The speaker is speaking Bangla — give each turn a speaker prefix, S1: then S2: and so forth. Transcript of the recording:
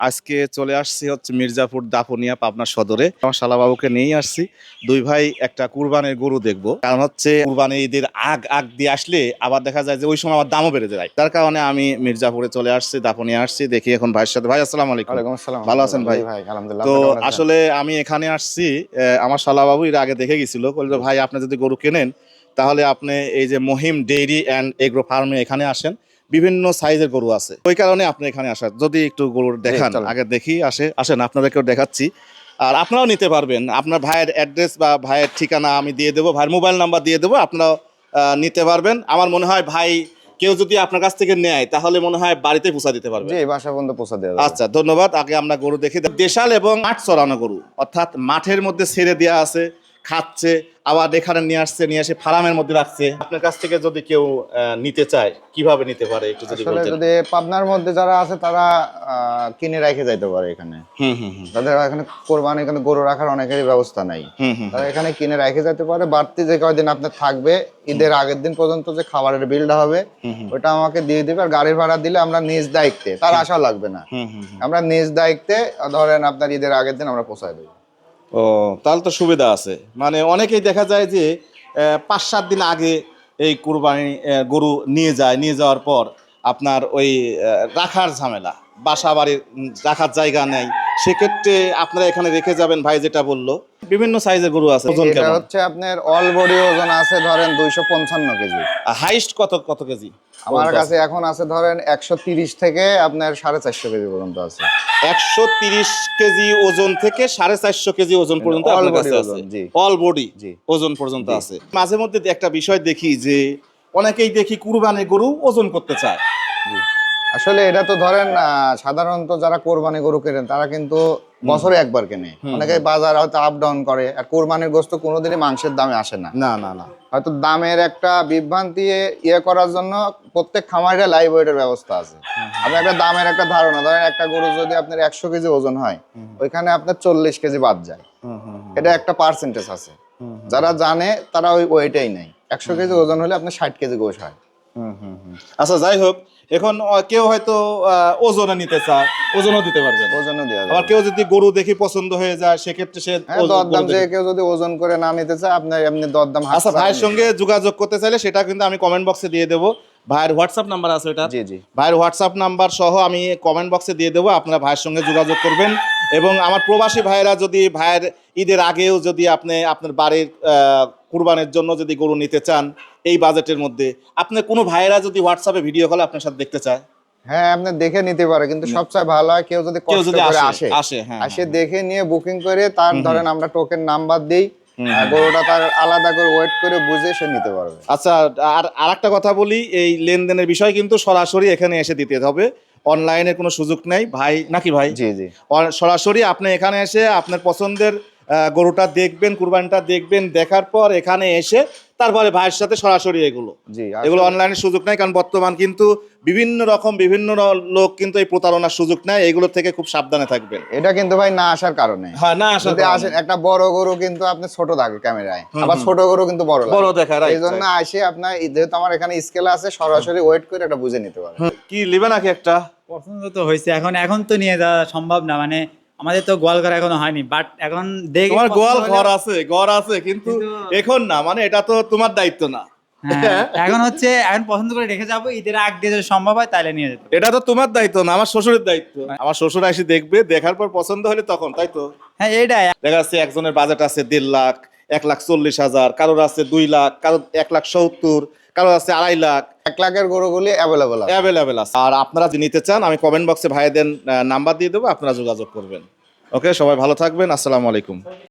S1: আজকে চলে আসছি হচ্ছে মির্জাপুর দাপুনিয়া পাবনা সদরে। আমার শালাবাবুকে নিয়েই আসছি। দুই ভাই একটা কুরবানির গরু দেখবো, কারণ হচ্ছে কুরবানি ঈদের আগ দিয়ে আসলে আবার দেখা যায় যে ওই সময় আমার দামও বেড়ে যায়। তার কারণে আমি মির্জাপুরে চলে আসছি, দাপুনিয়া আসছি। দেখি এখন ভাইয়ের সাথে। ভাই আসসালামু আলাইকুম।
S2: ওয়ালাইকুম আসসালাম।
S1: ভালো আছেন ভাই?
S2: ভাই আলহামদুলিল্লাহ।
S1: তো
S2: আপনি কেমন আছেন?
S1: আসলে আমি এখানে আসছি, আমার শালাবাবু এর আগে দেখে গেছিল, বললো ভাই আপনি যদি গরু কেনেন তাহলে আপনি এই যে মহিম ডেইরি অ্যান্ড এগ্রো ফার্মে এখানে আসেন, বিভিন্ন সাইজের গরু আছে, ওই কারণে আপনি এখানে আসার। যদি একটু গরু দেখান, আগে দেখি। আসেন আপনাদেরকেও দেখাচ্ছি, আর আপনারাও নিতে পারবেন। আপনার ভাইয়ের অ্যাড্রেস বা ভাইয়ের ঠিকানা আমি দিয়ে দেবো, ভাইয়ের মোবাইল নাম্বার দিয়ে দেবো, আপনারাও নিতে পারবেন। আমার মনে হয় ভাই কেউ যদি আপনার কাছ থেকে নেয় তাহলে মনে হয় বাড়িতে পৌঁছা দিতে পারবে।
S2: জি, বাসা পর্যন্ত পৌঁছা দেওয়া যাবে।
S1: আচ্ছা, ধন্যবাদ। আগে আমরা গরু দেখি। দেশাল এবং মাঠ চড়ানো গরু, অর্থাৎ মাঠের মধ্যে ছেড়ে দেওয়া আছে, খাচ্ছে, আবার এখানে নিয়ে আসছে, নিয়ে এসে ফার্মের মধ্যে রাখছে। আপনার কাছ থেকে যদি কেউ নিতে চায় কিভাবে নিতে পারে একটু যদি
S2: আসলে
S1: বলতেন।
S2: যদি পাবনার মধ্যে যারা আছে তারা কিনে রেখে যাইতে পারে এখানে। তাদের এখানে কোরবানি এখানে গরু রাখার অনেকেরই ব্যবস্থা নাই। তারা এখানে কিনে রেখে যেতে পারে। বাড়তি যে কয়দিন আপনার থাকবে, ঈদের আগের দিন পর্যন্ত যে খাবারের বিলটা হবে ওটা আমাকে দিয়ে দিবে। আর গাড়ির ভাড়া দিলে আমরা নিজ দায়িত্বে, তার আশা লাগবে না, আমরা নিজ দায়িত্বে ধরেন আপনার ঈদের আগের দিন আমরা পৌঁছায় দেবো।
S1: ও, তাহলে তো সুবিধা আছে। মানে অনেকেই দেখা যায় যে 5-7 দিন আগে এই কুরবানি গরু নিয়ে যাওয়ার পর আপনার ওই রাখার ঝামেলা, বাসা বাড়ির রাখার জায়গা নেই, সেক্ষেত্রে আপনারা এখানে রেখে যাবেন। ভাই যেটা বললো বিভিন্ন সাইজের গরু আছে। ওজন
S2: এটা
S1: কেমন?
S2: হচ্ছে আপনার অল বডি ওজন আছে ধরেন 255 কেজি।
S1: হাইস্ট কত কেজি?
S2: আমার কাছে এখন আছে ধরেন 130 থেকে আপনার 450 কেজি পর্যন্ত আছে।
S1: 130 কেজি ওজন থেকে 450 কেজি ওজন পর্যন্ত আপনার কাছে আছে। অল বডি ওজন পর্যন্ত আছে। মাঝে মধ্যে একটা বিষয় দেখি যে অনেকেই দেখি কুরবানি গরু ওজন করতে চায়।
S2: আসলে এটা তো ধরেন সাধারণত যারা কোরবানি গরু কেনেন তারা কিন্তু বছরে একবার কেনে। অনেকে বাজার হয়তো আপ ডাউন করে। আর কোরবানির গোশত কোনোদিনই মাংসের দামে আসে না।
S1: না
S2: হয়তো দামের একটা বিভ্রান্তি করার জন্য প্রত্যেক খামারে লাইভ ওয়েটের ব্যবস্থা আছে। আপনি একটা দামের একটা ধারণা ধরেন, একটা গরু যদি আপনার 100 কেজি ওজন হয়, ওইখানে আপনার 40 কেজি বাদ যায়। এটা একটা পার্সেন্টেজ আছে। যারা জানে তারা ওই ওইটাই নেই। 100 কেজি ওজন হলে আপনার 60 কেজি গোশ হয়।
S1: আচ্ছা, যাই হোক, এখন কেউ হয়তো ওজনে নিতে চায়, ওজনও দিতে পারবে,
S2: ওজনও দেওয়া যাবে।
S1: আবার কেউ যদি গরু দেখি পছন্দ হয়ে যায়, সেক্ষেত্রে সে
S2: দরদাম যে কেউ যদি ওজন করে না নিতে চায় আপনার এমনি দরদাম।
S1: আচ্ছা, ভাইয়ের সঙ্গে যোগাযোগ করতে চাইলে সেটা কিন্তু আমি কমেন্ট বক্সে দিয়ে দেবো। ভাইয়ের হোয়াটসঅ্যাপ নাম্বার আছে এটা?
S2: জি।
S1: ভাইয়ের হোয়াটসঅ্যাপ নাম্বার সহ আমি কমেন্ট বক্সে দিয়ে দেবো, আপনারা ভাইয়ের সঙ্গে যোগাযোগ করবেন। এবং আমার প্রবাসী ভাইয়েরা যদি ভাইয়ের ঈদের আগেও যদি আপনি আপনার বাড়ির কুরবানের জন্য যদি গরু নিতে চান এই বাজেটের মধ্যে, আপনার কোনো ভাইয়েরা যদি হোয়াটসঅ্যাপে ভিডিও কলে আপনার সাথে দেখতে চায়,
S2: হ্যাঁ আপনি দেখে নিতে পারে। কিন্তু সবচেয়ে ভালো হয় কেউ যদি কষ্ট করে আসে দেখে নিয়ে বুকিং করে, তার ধরেন আমরা টোকেন নাম্বার দেই, গরুটা তার আলাদা করে ওয়েট করে বুঝে সে নিতে পারবে।
S1: আচ্ছা, আর একটা কথা বলি, এই লেনদেনের বিষয় কিন্তু সরাসরি এখানে এসে দিতে হবে, অনলাইনে কোনো সুযোগ নেই ভাই, নাকি ভাই?
S2: জি।
S1: সরাসরি আপনি এখানে এসে আপনার পছন্দের গরুটা দেখবেন, কুরবানিটা দেখবেন, দেখার পর এখানে এসে তারপরে ভাইয়ের সাথে সরাসরি এগুলো অনলাইনে সুযোগ নাই। কারণ বর্তমান কিন্তু বিভিন্ন লোক কিন্তু এই প্রতারণার সুযোগ নেয়, এগুলো থেকে খুব সাবধানে থাকবেন।
S2: এটা কিন্তু ভাই না আসার কারণে।
S1: হ্যাঁ, না আসার কারণে
S2: আসেন একটা বড় গরু কিন্তু আপনি ছোট থাকে ক্যামেরায়, আবার ছোট গরু কিন্তু বড় দেখা, এই জন্য আসে আপনার যেহেতু আমার এখানে স্কেল আছে, সরাসরি ওয়েট করে এটা বুঝে নিতে পারে।
S1: কি লিবে নাকি একটা
S3: পছন্দ তো হয়েছে, এখন তো নিয়ে যাওয়া সম্ভব না। মানে আমাদের তো গোয়াল ঘর এখনো হয়নি, বাট এখন দেখি
S1: তোমার গোয়াল ঘর আছে কিন্তু এখন না, মানে এটা তো তোমার দায়িত্ব না।
S3: এখন পছন্দ করে রেখে যাবো, ঈদের আগ দিয়ে যদি সম্ভব হয় তাহলে নিয়ে যেতে।
S1: এটা তো তোমার দায়িত্ব না, আমার শ্বশুরের দায়িত্ব। আমার শ্বশুর এসে দেখবে, দেখার পর পছন্দ হলে তখন, তাই তো?
S3: হ্যাঁ, এইটাই। দেখা
S1: যাচ্ছে একজনের বাজেট আছে 1.5 লাখ, 1,40,000, কারোর আছে 2 লাখ, কারোর 1,70,000, কারোর আছে 2.5 লাখ।
S2: 1 লাখের গরুগুলি
S1: অ্যাভেলেবেল আছে। আর আপনারা যদি নিতে চান আমি কমেন্ট বক্সে ভাইদের নাম্বার দিয়ে দেবো, আপনারা যোগাযোগ করবেন। ওকে, সবাই ভালো থাকবেন। আসসালামু আলাইকুম।